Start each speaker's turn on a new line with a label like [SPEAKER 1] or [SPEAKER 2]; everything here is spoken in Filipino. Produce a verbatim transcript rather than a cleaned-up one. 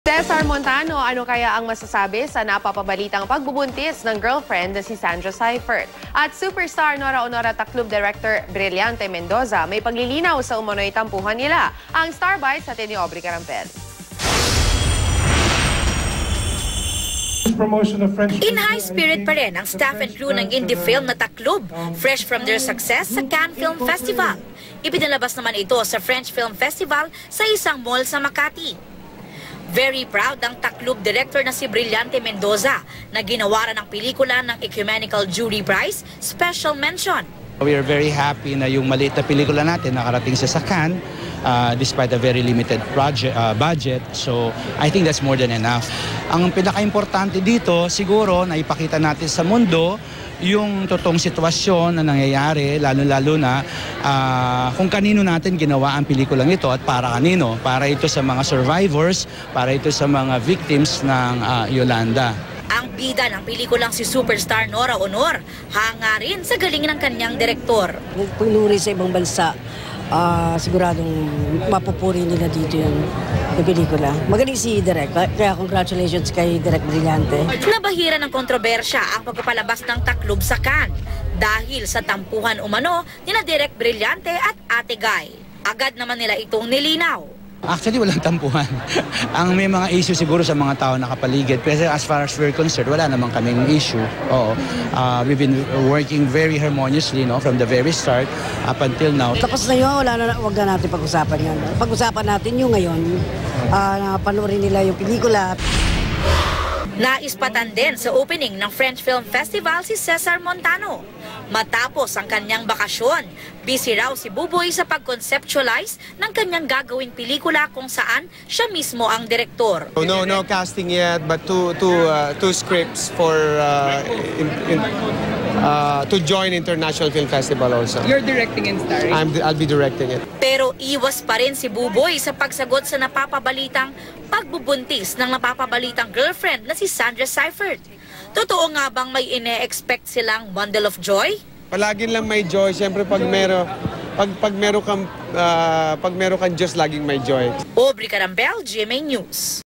[SPEAKER 1] Cesar Montano, ano kaya ang masasabi sa napapabalitang pagbubuntis ng girlfriend na si Sandra Seifert? At superstar Nora Honora Taclob Director Brillante Mendoza, may paglilinaw sa umano'y tampuhan nila. Ang Star Bites sa ni Aubrey Carampel.
[SPEAKER 2] In high spirit pa rin ang staff and crew ng indie film na Taclob, fresh from their success sa Cannes Film Festival. Ipinalabas naman ito sa French Film Festival sa isang mall sa Makati. Very proud ang Taclob director na si Brillante Mendoza na ginawaran ng pelikula ng Ecumenical Jury Prize Special Mention.
[SPEAKER 3] We are very happy na yung maliit na pelikula natin nakarating sa Cannes uh, despite a very limited project, uh, budget. So I think that's more than enough. Ang pinaka-importante dito siguro na ipakita natin sa mundo yung totoong sitwasyon na nangyayari, lalo-lalo na uh, kung kanino natin ginawa ang pelikulang ito at para kanino. Para ito sa mga survivors, para ito sa mga victims ng uh, Yolanda.
[SPEAKER 2] Ang bida ng pelikulang si superstar Nora Honor, hanga rin sa galing ng kanyang direktor.
[SPEAKER 4] Pinuri sa ibang bansa, uh, siguradong mapupuri nila dito yung, yung pelikula. Magaling si Direk, kaya congratulations kay Direk Brillante.
[SPEAKER 2] Nabahira ng kontrobersya ang pagpapalabas ng Taclob sa Cannes dahil sa tampuhan umano nina Direk Brillante at Ate Guy. Agad naman nila itong nilinaw.
[SPEAKER 3] Actually, walang tampuhan. Ang may mga issue siguro sa mga tao nakapaligid. Pero as far as we're concerned, wala naman kaming issue. Oo. Uh, we've been working very harmoniously, no, from the very start up until now.
[SPEAKER 4] Tapos na yun, wala na, huwag na natin pag-usapan yan. Pag-usapan natin yung ngayon, uh, panoorin nila yung pelikula.
[SPEAKER 2] Naispatan din sa opening ng French Film Festival si Cesar Montano. Matapos ang kanyang bakasyon, busy raw si Buboy sa pag-conceptualize ng kanyang gagawing pelikula kung saan siya mismo ang direktor.
[SPEAKER 5] Oh, no, no casting yet, but two, two, uh, two scripts for uh, in, in, uh, to join International Film Festival also.
[SPEAKER 6] You're directing and starring?
[SPEAKER 5] I'm, I'll be directing it.
[SPEAKER 2] Pero iwas pa rin si Buboy sa pagsagot sa napapabalitang pagbubuntis ng napapabalitang girlfriend na si Sandra Seifert. Totoo nga bang may ine-expect silang bundle of joy?
[SPEAKER 5] Palagi lang may joy. Siyempre pag meron pag pag meron kang uh, pag meron kang Diyos, laging may joy.
[SPEAKER 2] Aubrey Carampel, G M A News.